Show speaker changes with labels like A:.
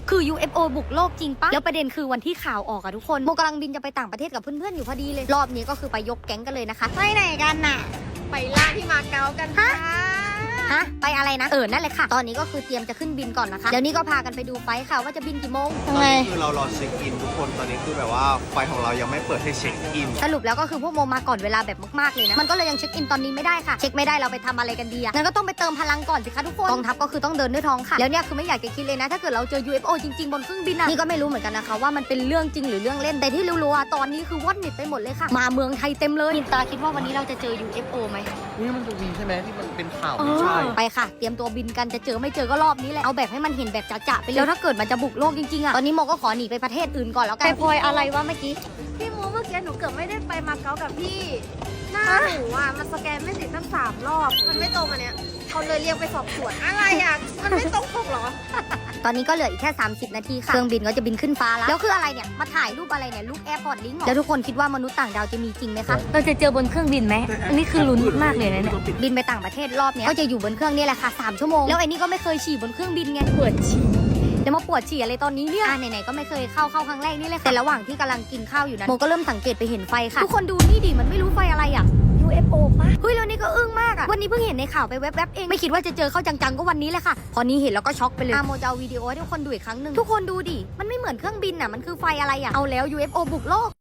A: คือ UFO บุกโลกจริงปะแล้วประเด็นคือวันที่ข่าวออกอะทุกคนโมกำลังบินจะไปต่างประเทศกับเพื่อนๆอยู่พอดีเลยรอบนี้ก็คือไปยกแก๊งกันเลยนะคะไปไหนกันน่ะ
B: ไปล่าที่มาเก๊ากันค่ะ
A: ฮะไปอะไรนะนั่นเลยค่ะตอนนี้ก็คือเตรียมจะขึ้นบินก่อนนะคะเดี๋ยวนี้ก็พากันไปดูไฟล์ค่ะว่าจะบินกี่โมง
C: ตอนนี้คือเรารอเช็คอินทุกคนตอนนี้คือแบบว่าไฟของเรายังไม่เปิดให้เช็คอิน
A: สรุปแล้วก็คือพวกโมมาก่อนเวลาแบบมากๆเลยนะมันก็เลยยังเช็คอินตอนนี้ไม่ได้ค่ะเช็คไม่ได้เราไปทำอะไรกันดีอะงั้นก็ต้องไปเติมพลังก่อนสิคะทุกคนกองทัพก็คือต้องเดินด้วยท้องค่ะแล้วเนี่ยคือไม่อยากจะคิดเลยนะถ้าเกิดเราเจอ UFO จริงๆบนเครื่องบินอะนี่ก็ไม่รู้เหมือนกันนะคะว่ามันเป็นเรื่องจริงหรือเรื่องเล่นแต่ที่รู้ๆอะตอนนี้คือวอดนิดไปหมดเลยค่ะมาเมืองไทยเต็มเลยมินตาคิดว่าวันนี้เราจะเจอ UFO ไหม
C: นี่มันจะมีใช่ไหมที่มันเป็นข่าวไม่ใช่
A: ไปค่ะเตรียมตัวบินกันจะเจอไม่เจอก็รอบนี้แหละเอาแบบให้มันเห็นแบบจะๆไปเลยแล้วถ้าเกิดมันจะบุกโลกจริงๆอะตอนนี้โมก็ขอหนีไปประเทศอื่นก่อนแล้วกันไปพลอยอะไรวะเมื่อกี้
B: พี่มูเมื่อกี้หนูเกือบไม่ได้ไปมาเก๊ากับพี่หน้าหนูอ่ะมันสแกนไม่ติดตั้ง3 รอบมันไม่ตรงอันเนี้ยเขาเลยเรียกไปสอบสวนอะไรอ่ะมันไม่ตรงปกเหรอ
A: ตอนนี้ก็เหลืออีกแค่30 นาทีค่ะเครื่องบินก็จะบินขึ้นฟ้าแล้วคืออะไรเนี่ยมาถ่ายรูปอะไรเนี่ยรูปแอร์พอร์ตลิงก์แล้วทุกคนคิดว่ามนุษย์ต่างดาวจะมีจริงไหมคะเราจะเจอบนเครื่องบินไหมอันนี้คือลุ้นมากเลยนะเนี่ยบินไปต่างประเทศรอบเนี้ยก็จะอยู่บนเครื่องนี่แหละค่ะ3 ชั่วโมงแล้วไอ้นี่ก็ไม่เคยฉี่บนเครื่องบินไงปวดฉี่แล้วมาปวดฉี่อะไรตอนนี้เนี่ยไหนๆก็ไม่เคยเข้าครั้งแรกนี่เลยค่ะแต่ระหว่างที่กำลังกินข้าวอยู่นะโมก็เริ่มสังเกตไปเห็นไฟค่ะทุกคนดูนี่ดิมันไม่รู้ไฟอะไรอ่ะ UFO ปะเฮ้ยแล้วนี่ก็อึ้งมากอะวันนี้เพิ่งเห็นในข่าวไปแวบๆเองไม่คิดว่าจะเจอเข้าจังๆก็วันนี้แหละค่ะพอนี้เห็นแล้วก็ช็อกไปเลยโมจะเอาวิดีโอให้ทุกคนดูอีกครั้งหนึ่งทุกคนดูดิมันไม่เหมือนเครื่องบินอะมันคือไฟอะไรอะเอาแล้ว UFO บุกโลก